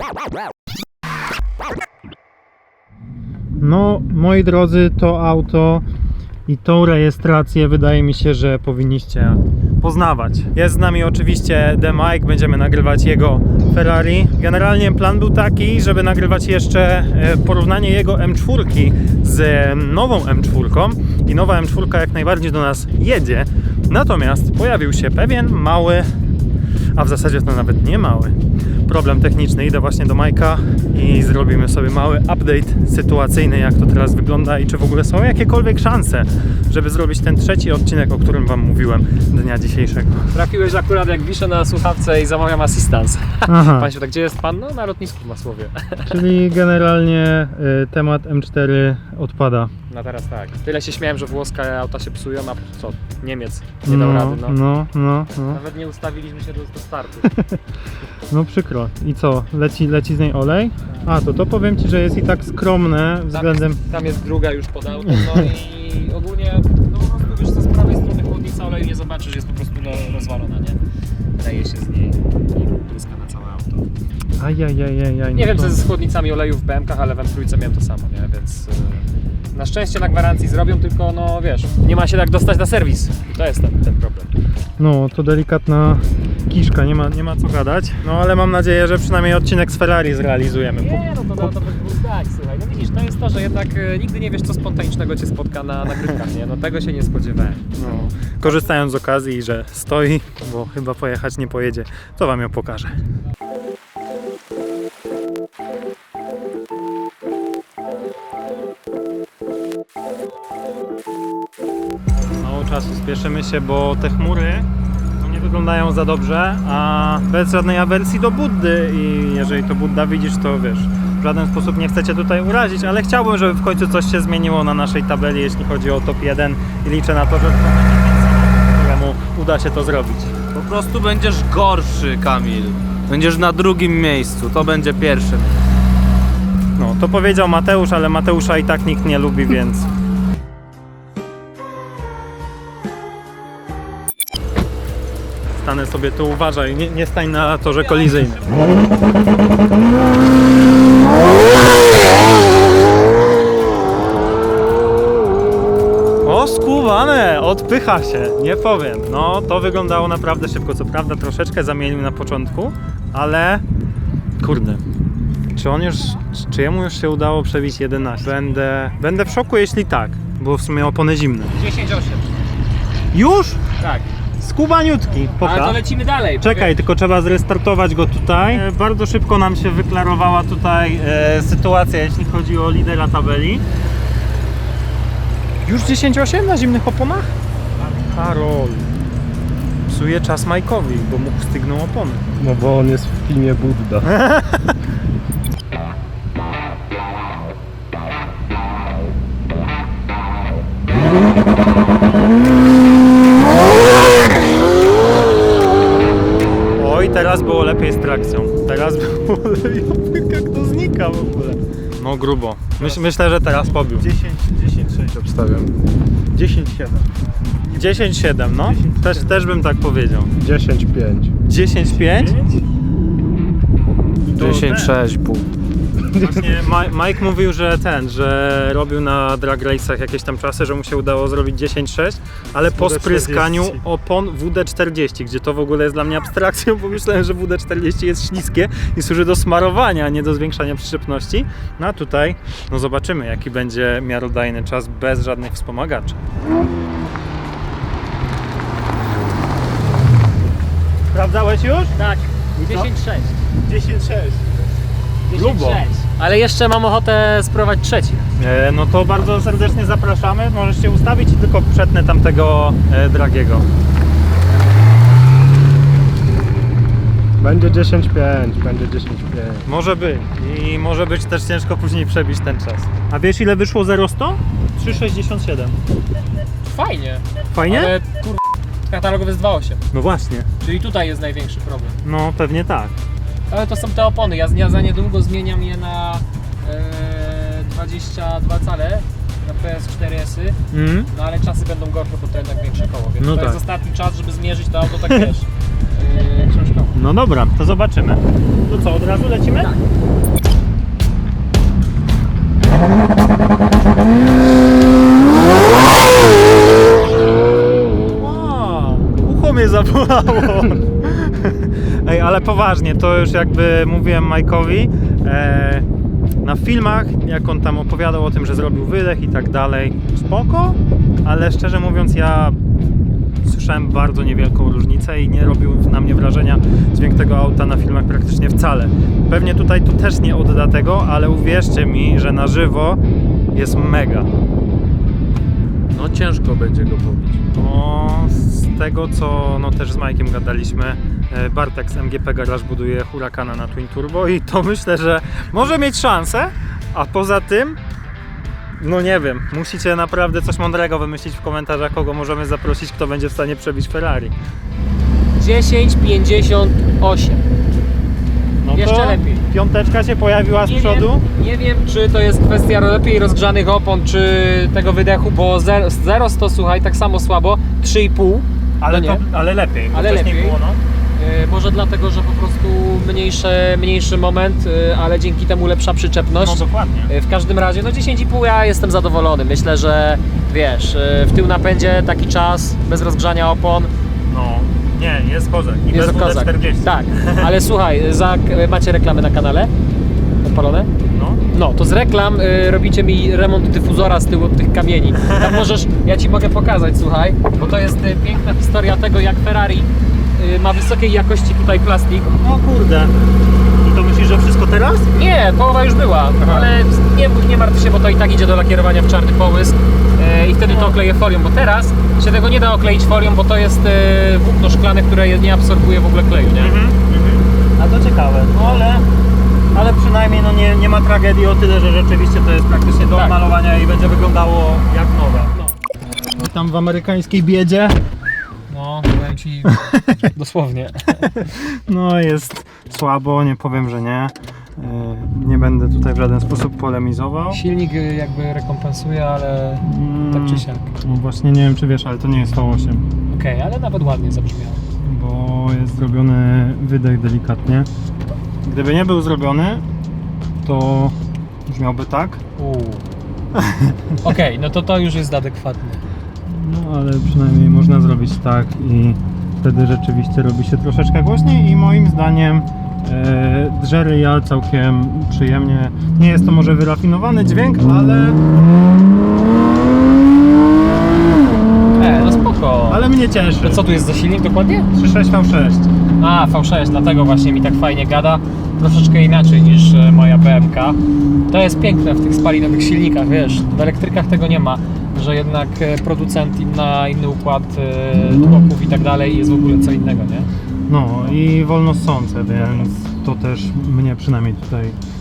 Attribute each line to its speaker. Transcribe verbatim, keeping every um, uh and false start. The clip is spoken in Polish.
Speaker 1: No, moi drodzy, to auto i tą rejestrację wydaje mi się, że powinniście poznawać. Jest z nami oczywiście The Mike, będziemy nagrywać jego Ferrari. Generalnie plan był taki, żeby nagrywać jeszcze porównanie jego M cztery z nową M cztery i nowa M cztery jak najbardziej do nas jedzie. Natomiast pojawił się pewien mały, a w zasadzie to nawet nie mały, problem techniczny. Idę właśnie do Majka i zrobimy sobie mały update sytuacyjny, jak to teraz wygląda i czy w ogóle są jakiekolwiek szanse, żeby zrobić ten trzeci odcinek, o którym wam mówiłem dnia dzisiejszego.
Speaker 2: Trafiłeś akurat jak wiszę na słuchawce i zamawiam assistance.
Speaker 1: Aha.
Speaker 2: Państwo, tak gdzie jest pan? No na lotnisku w Masłowie.
Speaker 1: Czyli generalnie y, temat M cztery odpada.
Speaker 2: No teraz tak. Tyle się śmiałem, że włoskie auta się psują, a co? Niemiec nie dał
Speaker 1: no,
Speaker 2: rady, no.
Speaker 1: no, no, no.
Speaker 2: Nawet nie ustawiliśmy się do, do startu.
Speaker 1: No przykro. I co? Leci, leci z niej olej? A, to to powiem ci, że jest i tak skromne względem...
Speaker 2: Tam jest, tam jest druga już pod autem, no i ogólnie, no po prostu wiesz co, z prawej strony chłodnica oleju nie zobaczysz, jest po prostu no, rozwalona, nie? Leje się z niej i błyska na całe auto.
Speaker 1: Ajajajajaj.
Speaker 2: Nie
Speaker 1: no
Speaker 2: wiem
Speaker 1: to...
Speaker 2: co jest z chłodnicami oleju w B M kach, ale w M trzy miałem to samo, nie? Więc yy, na szczęście na gwarancji zrobią, tylko no wiesz, nie ma się tak dostać na serwis i to jest ten, ten problem.
Speaker 1: No, to delikatna kiszka, nie ma, nie ma co gadać. No ale mam nadzieję, że przynajmniej odcinek z Ferrari zrealizujemy.
Speaker 2: Nie, no to, to, to był tak, słuchaj, no widzisz, to jest to, że jednak e, nigdy nie wiesz co spontanicznego cię spotka na nagrywkach, nie? No tego się nie spodziewałem.
Speaker 1: No, korzystając z okazji, że stoi, bo chyba pojechać nie pojedzie, to wam ją pokażę. Mało czasu, spieszymy się, bo te chmury no, nie wyglądają za dobrze, a bez żadnej awersji do Buddy i jeżeli to Budda widzisz, to wiesz, w żaden sposób nie chcecie tutaj urazić, ale chciałbym, żeby w końcu coś się zmieniło na naszej tabeli, jeśli chodzi o top jeden i liczę na to, że któremu uda się to zrobić.
Speaker 3: Po prostu będziesz gorszy, Kamil. Będziesz na drugim miejscu, to będzie pierwsze.
Speaker 1: No, to powiedział Mateusz, ale Mateusza i tak nikt nie lubi, więc... Stanę sobie tu, uważaj, nie, nie stań na torze kolizyjnym. O, skubane, odpycha się, nie powiem. No, to wyglądało naprawdę szybko. Co prawda troszeczkę zamienił na początku, ale kurde. Czy on już, czy jemu już się udało przebić jedenaście? Będę, będę w szoku, jeśli tak, bo w sumie opony zimne.
Speaker 2: dziesięć osiem.
Speaker 1: Już?
Speaker 2: Tak.
Speaker 1: Skubaniutki.
Speaker 2: Ale to lecimy dalej.
Speaker 1: Czekaj, tylko trzeba zrestartować go tutaj. E, bardzo szybko nam się wyklarowała tutaj e, sytuacja, jeśli chodzi o lidera tabeli. Już dziesięć osiem na zimnych oponach? Karol. Psuje czas Majkowi, bo mu stygną opony.
Speaker 4: No bo on jest w filmie Budda.
Speaker 1: Oj, teraz było lepiej z trakcją. Teraz było lepiej. Jak to znika w ogóle. No grubo. Myś, myślę, że teraz pobił.
Speaker 4: dziesięć sześć obstawiam. dziesięć siedem.
Speaker 1: dziesięć siedem, no. Też, też bym tak powiedział.
Speaker 4: dziesięć pięć.
Speaker 1: dziesięć pięć?
Speaker 3: dziesięć sześć pół.
Speaker 1: Właśnie Ma- Mike mówił, że ten, że robił na drag race'ach jakieś tam czasy, że mu się udało zrobić dziesięć sześć, ale po spryskaniu opon W D czterdzieści, gdzie to w ogóle jest dla mnie abstrakcją, bo myślałem, że W D czterdzieści jest śliskie i służy do smarowania, a nie do zwiększania przyczepności. No a tutaj, no zobaczymy, jaki będzie miarodajny czas bez żadnych wspomagaczy. Sprawdzałeś już?
Speaker 2: Tak, dziesięć sześć.
Speaker 1: dziesięć sześć.
Speaker 2: dziesięć sześć. Ale jeszcze mam ochotę spróbować trzeci.
Speaker 1: E, no to bardzo serdecznie zapraszamy. Możesz się ustawić i tylko przetnę tamtego e, Dragiego.
Speaker 4: Będzie dziesięć pięć, będzie dziesięć pięć.
Speaker 1: Może być. I może być też ciężko później przebić ten czas. A wiesz ile wyszło zero sto? trzy sześćdziesiąt siedem.
Speaker 2: Fajnie.
Speaker 1: Fajnie?
Speaker 2: Ale kur... katalogowy jest dwa osiem.
Speaker 1: No właśnie.
Speaker 2: Czyli tutaj jest największy problem.
Speaker 1: No pewnie tak.
Speaker 2: Ale to są te opony. Ja, ja za niedługo zmieniam je na e, dwadzieścia dwa cale na P S cztery S-y.
Speaker 1: Mm.
Speaker 2: No ale czasy będą gorsze, bo to jednak większe koło. Więc
Speaker 1: No
Speaker 2: to
Speaker 1: tak.
Speaker 2: jest ostatni czas, żeby zmierzyć to auto tak wiesz. Yy, książkowo.
Speaker 1: No dobra, to zobaczymy. To co, od razu lecimy?
Speaker 2: Tak.
Speaker 1: Wow, ucho mnie zabolało. Ej, ale poważnie, to już jakby mówiłem Majkowi, e, na filmach, jak on tam opowiadał o tym, że zrobił wydech i tak dalej, spoko, ale szczerze mówiąc ja słyszałem bardzo niewielką różnicę i nie robił na mnie wrażenia dźwięk tego auta na filmach praktycznie wcale. Pewnie tutaj to też nie odda tego, ale uwierzcie mi, że na żywo jest mega.
Speaker 3: No ciężko będzie go pobić.
Speaker 1: No, z tego co no, też z Majkiem gadaliśmy, e, Bartek z M G P Garage buduje Huracana na Twin Turbo i to myślę, że może mieć szansę, a poza tym no nie wiem, musicie naprawdę coś mądrego wymyślić w komentarzach, kogo możemy zaprosić, kto będzie w stanie przebić Ferrari.
Speaker 2: dziesięć pięćdziesiąt osiem.
Speaker 1: No
Speaker 2: Jeszcze
Speaker 1: to
Speaker 2: lepiej.
Speaker 1: piąteczka się pojawiła z
Speaker 2: Nie
Speaker 1: przodu.
Speaker 2: wiem, nie wiem, czy to jest kwestia lepiej rozgrzanych opon, czy tego wydechu, bo zero sto, słuchaj, tak samo słabo, trzy i pół.
Speaker 1: Ale,
Speaker 2: no
Speaker 1: to,
Speaker 2: nie.
Speaker 1: ale lepiej, bo
Speaker 2: Ale
Speaker 1: wcześniej
Speaker 2: lepiej.
Speaker 1: było no.
Speaker 2: Yy, może dlatego, że po prostu mniejszy, mniejszy moment, yy, ale dzięki temu lepsza przyczepność.
Speaker 1: No dokładnie.
Speaker 2: Yy, w każdym razie, no dziesięć i pół ja jestem zadowolony. Myślę, że wiesz, yy, w tył napędzie taki czas, bez rozgrzania opon.
Speaker 1: No, nie, jest kozak. I
Speaker 2: Jest
Speaker 1: bez
Speaker 2: to kozak.
Speaker 1: W D czterdzieści.
Speaker 2: Tak, ale słuchaj, za, macie reklamy na kanale? Odpalone?
Speaker 1: No.
Speaker 2: No, to z reklam y, robicie mi remont dyfuzora z tyłu od tych kamieni. Tam możesz, ja Ci mogę pokazać, słuchaj, bo to jest y, piękna historia tego, jak Ferrari y, ma wysokiej jakości tutaj plastik.
Speaker 1: O kurde. I to myślisz, że wszystko teraz?
Speaker 2: Nie, połowa już była,
Speaker 1: Aha.
Speaker 2: ale nie, nie martw się, bo to i tak idzie do lakierowania w czarny połysk y, i wtedy to okleję folią, bo teraz się tego nie da okleić folią, bo to jest y, włókno szklane, które nie absorbuje w ogóle kleju, nie?
Speaker 1: Mhm, mhm. A to ciekawe, no ale, ale przynajmniej no nie, nie ma tragedii o tyle, że rzeczywiście to jest praktycznie do
Speaker 2: Tak.
Speaker 1: malowania i będzie wyglądało jak nowe.
Speaker 2: No.
Speaker 1: Tam w amerykańskiej biedzie,
Speaker 2: No, powiem Ci dosłownie.
Speaker 1: no jest słabo, nie powiem, że nie. Yy, Nie będę tutaj w żaden sposób polemizował.
Speaker 2: Silnik y, jakby rekompensuje, ale tak czy siak.
Speaker 1: No właśnie nie wiem czy wiesz, ale to nie jest V osiem,
Speaker 2: Okej, ale nawet ładnie zabrzmiało.
Speaker 1: bo jest zrobiony wydech delikatnie. Gdyby nie był zrobiony, to brzmiałby tak.
Speaker 2: Uuu. Okej, no to to już jest adekwatne.
Speaker 1: No ale przynajmniej można zrobić tak i wtedy rzeczywiście robi się troszeczkę głośniej i moim zdaniem e, drze ryja całkiem przyjemnie. Nie jest to może wyrafinowany dźwięk, ale,
Speaker 2: E, no spoko.
Speaker 1: ale mnie cieszy.
Speaker 2: To co tu jest za silnik dokładnie?
Speaker 1: trzy sześć V sześć.
Speaker 2: A, V sześć, dlatego właśnie mi tak fajnie gada. Troszeczkę inaczej niż e, moja B M K. To jest piękne w tych spalinowych silnikach, wiesz, w elektrykach tego nie ma, że jednak e, producent inna, inny układ e, tłoków i tak dalej jest w ogóle co innego, nie?
Speaker 1: No i wolno ssące, więc to też mnie przynajmniej tutaj